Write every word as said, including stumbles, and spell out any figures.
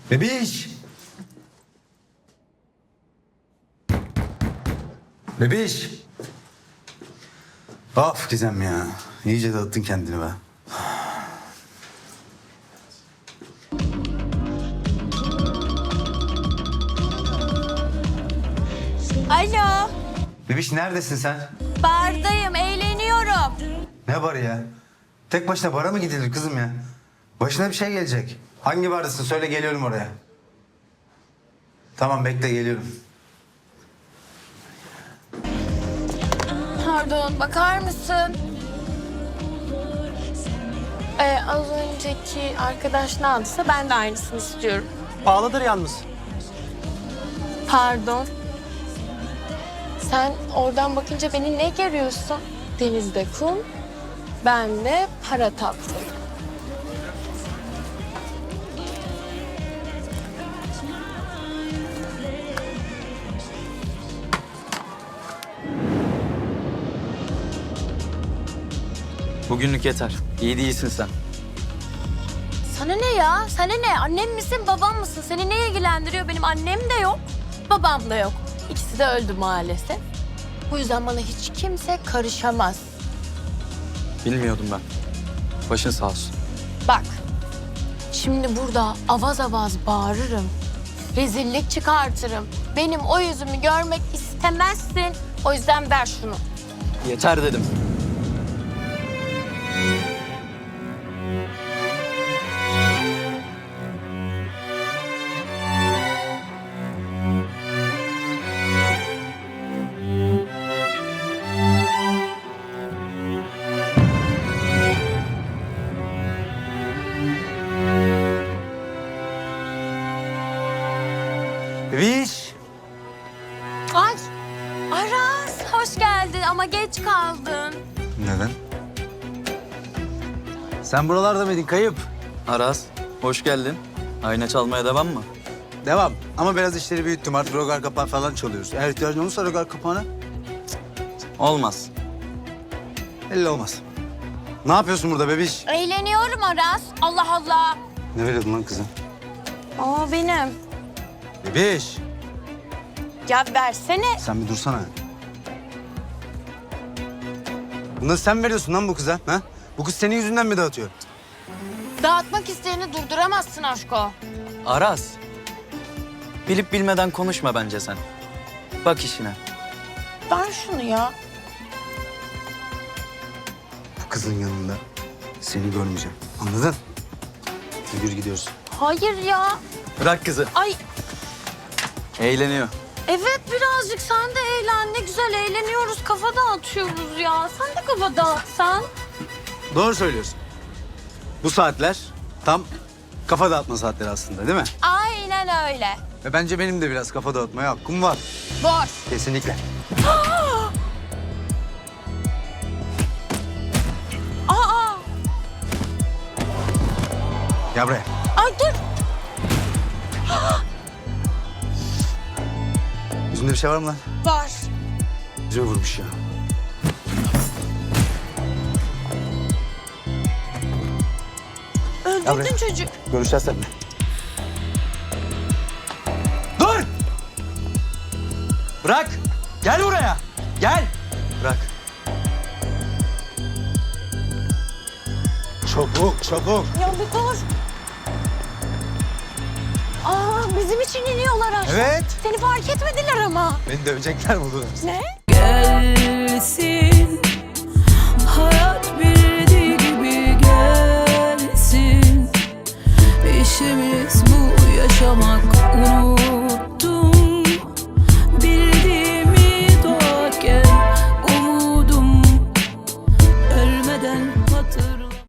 Bebiş! Bebiş! Of Gizem ya. İyice dağıttın kendini be. Alo, Bebiş neredesin sen? bardayım, eğleniyorum. Ne barı ya? Tek başına bara mı gidilir kızım ya? Başına bir şey gelecek. Hangi bardasın? Söyle geliyorum oraya. Tamam bekle geliyorum. Pardon, bakar mısın? Ee, az önceki arkadaş ne aldıysa ben de aynısını istiyorum. Pahalıdır yalnız. Pardon. Sen oradan bakınca beni ne görüyorsun? Denizde kum, ben de para tatlım. Bugünlük yeter. İyi değilsin sen. Sana ne ya? Sana ne? Annem misin, babam mısın? Seni ne ilgilendiriyor? Benim annem de yok, babam da yok. İkisi de öldü maalesef. Bu yüzden bana hiç kimse karışamaz. Bilmiyordum ben. Başın sağ olsun. Bak, şimdi burada avaz avaz bağırırım. Rezillik çıkartırım. Benim o yüzümü görmek istemezsin. O yüzden ver şunu. Yeter dedim. Bebiş! Ay, Aras hoş geldin ama geç kaldın. Neden? Sen buralarda mıydın kayıp? Aras, hoş geldin. Ayna çalmaya devam mı? Devam. Ama biraz işleri büyüttüm. Artık rogar kapağı falan çalıyoruz. Eğer ihtiyacın olursa rogar kapağına Olmaz. belli olmaz. Ne yapıyorsun burada bebiş? Eğleniyorum Aras. Allah Allah. Ne veriyordun lan kıza? Aa benim. Bebiş! Ya versene. Sen bir dursana. Bunları sen veriyorsun lan bu kıza. Ha? Bu kız senin yüzünden mi dağıtıyor? Dağıtmak isteyeni durduramazsın aşko. Aras. Bilip bilmeden konuşma bence sen. Bak işine. Ver şunu ya. Bu kızın yanında seni görmeyeceğim. Anladın? Yürü gidiyoruz. Hayır ya. Bırak kızı. Ay Eğleniyor. evet birazcık sen de eğlen. Ne güzel eğleniyoruz. Kafa dağıtıyoruz ya. Sen de kafa dağıtsan. Doğru söylüyorsun. Bu saatler tam kafa dağıtma saatleri aslında değil mi? Aynen öyle. Ve bence benim de biraz kafa dağıtmaya hakkım var. Boş. Kesinlikle. Aa. Gel buraya. Ay dur. Yüzünde bir şey var mı lan? Var. Yüzüme vurmuş ya. Öldürdün buraya. çocuk. Görüşeceğiz seninle. Dur! Bırak. Gel buraya. Gel. Bırak. Çabuk, çabuk. Ya bir dur. Aa bizim için iniyorlar aşağı. Evet. Seni fark etmediler ama. Beni dövecekler buldular. Ne? Gelsin